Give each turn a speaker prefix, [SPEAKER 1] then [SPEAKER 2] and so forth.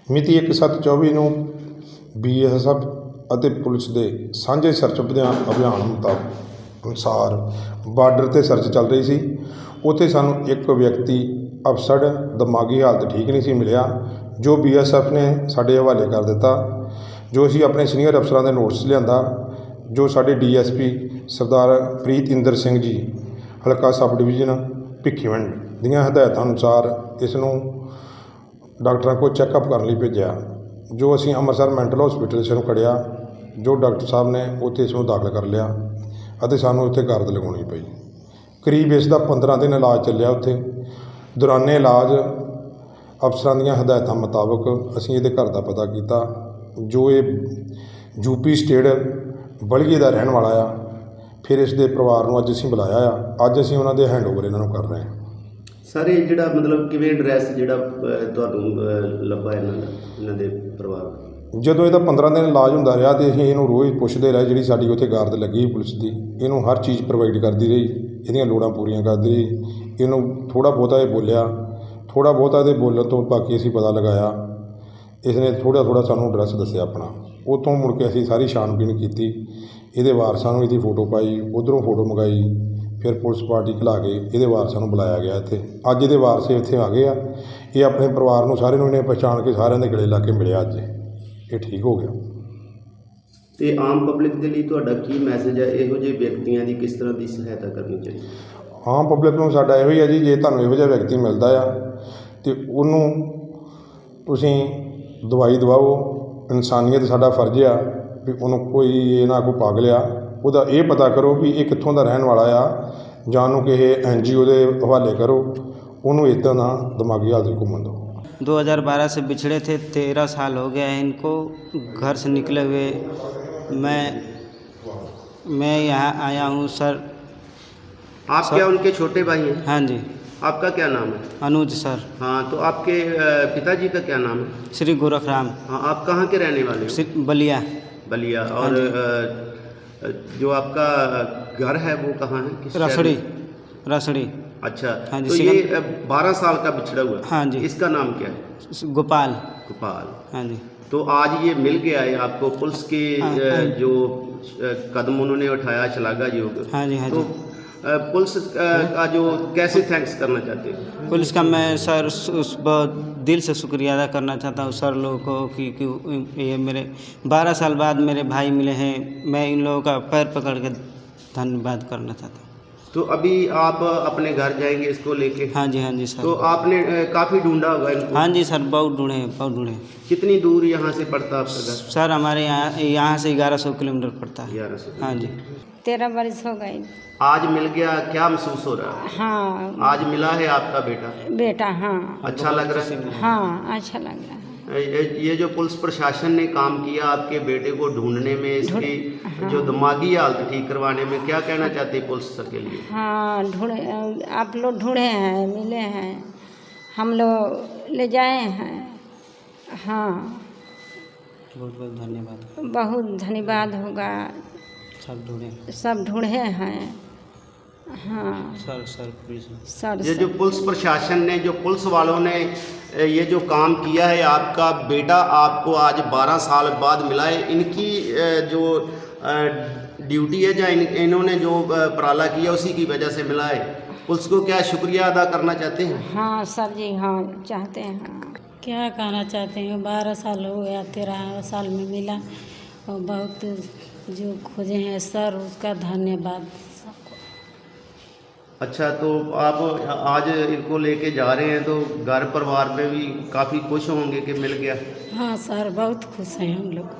[SPEAKER 1] ਮਿਤੀ 1/7/24 ਨੂੰ BSF ਅਤੇ ਪੁਲਿਸ ਦੇ ਸਾਂਝੇ ਸਰਚ ਅਭਿਆਨ ਅਨੁਸਾਰ ਬਾਰਡਰ 'ਤੇ ਸਰਚ ਚੱਲ ਰਹੀ ਸੀ। ਉੱਥੇ ਸਾਨੂੰ ਇੱਕ ਵਿਅਕਤੀ ਅਫਸਰ ਦਿਮਾਗੀ ਹਾਲਤ ਠੀਕ ਨਹੀਂ ਸੀ ਮਿਲਿਆ, ਜੋ BSF ਨੇ ਸਾਡੇ ਹਵਾਲੇ ਕਰ ਦਿੱਤਾ, ਜੋ ਅਸੀਂ ਆਪਣੇ ਸੀਨੀਅਰ ਅਫਸਰਾਂ ਦੇ ਨੋਟਿਸ ਲਿਆਂਦਾ, ਜੋ ਸਾਡੇ DSP ਸਰਦਾਰ ਪ੍ਰੀਤਇੰਦਰ ਸਿੰਘ ਜੀ ਹਲਕਾ ਸਬ ਡਿਵੀਜ਼ਨ ਭਿੱਖੀਵਿੰਡ ਦੀਆਂ ਹਦਾਇਤਾਂ ਅਨੁਸਾਰ ਇਸ ਨੂੰ ਡਾਕਟਰਾਂ ਕੋਲ ਚੈੱਕਅਪ ਕਰਨ ਲਈ ਭੇਜਿਆ, ਜੋ ਅਸੀਂ ਅੰਮ੍ਰਿਤਸਰ ਮੈਂਟਲ ਹਸਪੀਟਲ ਇਸ ਨੂੰ ਖੜਿਆ, ਜੋ ਡਾਕਟਰ ਸਾਹਿਬ ਨੇ ਉੱਥੇ ਇਸ ਨੂੰ ਦਾਖਲ ਕਰ ਲਿਆ ਅਤੇ ਸਾਨੂੰ ਉੱਥੇ ਗਰਦ ਲਗਾਉਣੀ ਪਈ। ਕਰੀਬ ਇਸ ਦਾ 15 ਦਿਨ ਇਲਾਜ ਚੱਲਿਆ। ਉੱਥੇ ਦੌਰਾਨੇ ਇਲਾਜ ਅਫਸਰਾਂ ਦੀਆਂ ਹਦਾਇਤਾਂ ਮੁਤਾਬਕ ਅਸੀਂ ਇਹਦੇ ਘਰ ਦਾ ਪਤਾ ਕੀਤਾ, ਜੋ ਇਹ UP ਸਟੇਟ ਬਲਗੇ ਦਾ ਰਹਿਣ ਵਾਲਾ ਆ। ਫਿਰ ਇਸ ਦੇ ਪਰਿਵਾਰ ਨੂੰ ਅੱਜ ਅਸੀਂ ਬੁਲਾਇਆ ਆ, ਅੱਜ ਅਸੀਂ ਉਹਨਾਂ ਦੇ ਹੈਂਡਓਵਰ ਇਹਨਾਂ ਨੂੰ ਕਰ ਰਹੇ ਹਾਂ।
[SPEAKER 2] ਸਰ ਇਹ ਜਿਹੜਾ ਮਤਲਬ ਕਿਵੇਂ ਐਡਰੈਸ ਜਿਹੜਾ ਤੁਹਾਨੂੰ ਲੱਭਾ ਇਹਨਾਂ ਦੇ ਪਰਿਵਾਰ?
[SPEAKER 1] ਜਦੋਂ ਇਹਦਾ 15 ਦਿਨ ਇਲਾਜ ਹੁੰਦਾ ਰਿਹਾ ਅਤੇ ਅਸੀਂ ਇਹਨੂੰ ਰੋਜ਼ ਪੁੱਛਦੇ ਰਹੇ, ਜਿਹੜੀ ਸਾਡੀ ਉੱਥੇ ਗਾਰਡ ਲੱਗੀ ਪੁਲਿਸ ਦੀ, ਇਹਨੂੰ ਹਰ ਚੀਜ਼ ਪ੍ਰੋਵਾਈਡ ਕਰਦੀ ਰਹੀ, ਇਹਦੀਆਂ ਲੋੜਾਂ ਪੂਰੀਆਂ ਕਰਦੀ ਰਹੀ। ਇਹਨੂੰ ਥੋੜ੍ਹਾ ਬਹੁਤਾ ਇਹ ਬੋਲਿਆ, ਥੋੜ੍ਹਾ ਬਹੁਤਾ ਇਹਦੇ ਬੋਲਣ ਤੋਂ ਬਾਕੀ ਅਸੀਂ ਪਤਾ ਲਗਾਇਆ। ਇਸ ਨੇ ਥੋੜ੍ਹਾ ਸਾਨੂੰ ਐਡਰੈਸ ਦੱਸਿਆ ਆਪਣਾ। ਉੱਥੋਂ ਮੁੜ ਕੇ ਅਸੀਂ ਸਾਰੀ ਛਾਣਬੀਣ ਕੀਤੀ, ਇਹਦੇ ਵਾਰਸਾਂ ਨੂੰ ਇਹਦੀ ਫੋਟੋ ਪਾਈ, ਉੱਧਰੋਂ ਫੋਟੋ ਮੰਗਾਈ, ਫਿਰ ਪੁਲਿਸ ਪਾਰਟੀ ਖਿਲਾ ਕੇ ਇਹਦੇ ਵਾਰਸਾਂ ਨੂੰ ਬੁਲਾਇਆ ਗਿਆ ਇੱਥੇ। ਅੱਜ ਇਹਦੇ ਵਾਰਸ ਇੱਥੇ ਆ ਗਏ ਆ। ਇਹ ਆਪਣੇ ਪਰਿਵਾਰ ਨੂੰ ਸਾਰੇ ਨੂੰ ਇਹਨੇ ਪਛਾਣ ਕੇ ਸਾਰਿਆਂ ਦੇ ਗਲੇ ਲਾ ਕੇ ਮਿਲਿਆ। ਅੱਜ ਇਹ ਠੀਕ ਹੋ ਗਿਆ।
[SPEAKER 2] ਤੇ ਆਮ ਪਬਲਿਕ ਦੇ ਲਈ ਤੁਹਾਡਾ ਕੀ ਮੈਸੇਜ ਹੈ? ਇਹੋ ਜਿਹੇ ਵਿਅਕਤੀਆਂ ਦੀ ਕਿਸ ਤਰ੍ਹਾਂ ਦੀ ਸਹਾਇਤਾ ਕਰਨੀ ਚਾਹੀਦੀ?
[SPEAKER 1] ਆਮ ਪਬਲਿਕ ਨੂੰ ਸਾਡਾ ਇਹੋ ਹੀ ਹੈ ਜੀ, ਜੇ ਤੁਹਾਨੂੰ ਇਹੋ ਜਿਹਾ ਵਿਅਕਤੀ ਮਿਲਦਾ ਆ ਅਤੇ ਉਹਨੂੰ ਤੁਸੀਂ ਦਵਾਈ ਦਵਾਓ। ਇਨਸਾਨੀਅਤ ਸਾਡਾ ਫਰਜ਼ ਆ ਵੀ ਉਹਨੂੰ ਕੋਈ ਇਹ ਨਾ ਕੋਈ ਪਾਗਲ ਆ, ਉਹਦਾ ਇਹ ਪਤਾ ਕਰੋ ਵੀ ਇਹ ਕਿੱਥੋਂ ਦਾ ਰਹਿਣ ਵਾਲਾ ਆ, ਜਾਂ ਉਹਨੂੰ ਕਿਸੇ NGO ਦੇ ਹਵਾਲੇ ਕਰੋ। ਉਹਨੂੰ ਇੱਦਾਂ ਦਾ ਦਿਮਾਗੀ ਹਾਲਤ ਘੁੰਮਣ ਦਿਓ।
[SPEAKER 3] 2012 से बिछड़े थे, 13 साल हो गया है इनको घर से निकले हुए। मैं यहाँ आया हूँ सर।
[SPEAKER 2] आप क्या उनके छोटे भाई हैं?
[SPEAKER 3] हाँ जी।
[SPEAKER 2] आपका क्या नाम है?
[SPEAKER 3] अनुज सर।
[SPEAKER 2] हाँ, तो आपके पिताजी का क्या नाम है?
[SPEAKER 3] श्री गोरखराम।
[SPEAKER 2] हाँ, आप कहाँ के रहने वाले हो?
[SPEAKER 3] बलिया।
[SPEAKER 2] बलिया। और जो आपका घर है वो कहाँ है? किस
[SPEAKER 3] रसड़ी।
[SPEAKER 2] शहर में?
[SPEAKER 3] रसड़ी।
[SPEAKER 2] अच्छा।
[SPEAKER 3] हाँ जी।
[SPEAKER 2] तो ये 12 साल का बिछड़ा हुआ है?
[SPEAKER 3] हाँ जी।
[SPEAKER 2] इसका नाम क्या है?
[SPEAKER 3] गोपाल।
[SPEAKER 2] गोपाल।
[SPEAKER 3] हाँ जी।
[SPEAKER 2] तो आज ये मिल गया है आपको। पुलिस के जो कदम उन्होंने उठाया, श्लाघायोग।
[SPEAKER 3] हाँ जी। हाँ
[SPEAKER 2] तो
[SPEAKER 3] जी।
[SPEAKER 2] पुलिस का जो कैसे थैंक्स करना चाहते हैं?
[SPEAKER 3] पुलिस का मैं सर बहुत दिल से शुक्रिया अदा करना चाहता हूँ सर लोगों को कि ये मेरे 12 साल बाद मेरे भाई मिले हैं। मैं इन लोगों का पैर पकड़ के धन्यवाद करना चाहता हूँ।
[SPEAKER 2] तो अभी आप अपने घर जाएंगे इसको लेके?
[SPEAKER 3] हाँ जी। हाँ जी सर।
[SPEAKER 2] तो आपने काफ़ी ढूंढा होगा इनको?
[SPEAKER 3] हाँ जी सर, बहुत ढूंढे, बहुत ढूंढे।
[SPEAKER 2] कितनी दूर यहाँ से पड़ता है आपका घर?
[SPEAKER 3] सर हमारे यहाँ से 1100 किलोमीटर पड़ता है।
[SPEAKER 2] 1100।
[SPEAKER 3] हाँ जी।
[SPEAKER 4] 13 बरस हो गई।
[SPEAKER 2] आज मिल गया, क्या महसूस हो रहा है?
[SPEAKER 4] हाँ,
[SPEAKER 2] आज मिला है आपका बेटा?
[SPEAKER 4] बेटा। हाँ,
[SPEAKER 2] अच्छा लग रहा है?
[SPEAKER 4] हाँ, अच्छा लग रहा है।
[SPEAKER 2] ये जो पुलिस प्रशासन ने काम किया आपके बेटे को ढूंढने में, इसकी जो दिमागी हालत ठीक करवाने में, क्या कहना चाहते हैं पुलिस के लिए?
[SPEAKER 4] हाँ, ढूंढे, आप लोग ढूंढे हैं, मिले हैं, हम लोग ले जाए हैं। हाँ,
[SPEAKER 3] बहुत बहुत धन्यवाद।
[SPEAKER 4] बहुत धन्यवाद होगा। सब ढूंढे हैं। हाँ
[SPEAKER 3] सर पुलिस
[SPEAKER 4] सर।
[SPEAKER 2] ये जो पुलिस प्रशासन ने, जो पुलिस वालों ने ये जो काम किया है, आपका बेटा आपको आज 12 साल बाद मिला है। इनकी जो ड्यूटी है, या इन्होंने जो उपराला किया उसी की वजह से मिला है। पुलिस को क्या शुक्रिया अदा करना चाहते हैं?
[SPEAKER 4] हाँ सर जी, हाँ चाहते हैं।
[SPEAKER 5] क्या कहना चाहते हैं? 12 साल हो गया, 13 साल में मिला और बहुत जो खोजे हैं सर, उसका धन्यवाद सबको।
[SPEAKER 2] अच्छा, तो आप आज इनको लेके जा रहे हैं, तो घर परिवार में भी काफ़ी खुश होंगे कि मिल गया?
[SPEAKER 5] हाँ सर, बहुत खुश हैं हम लोग।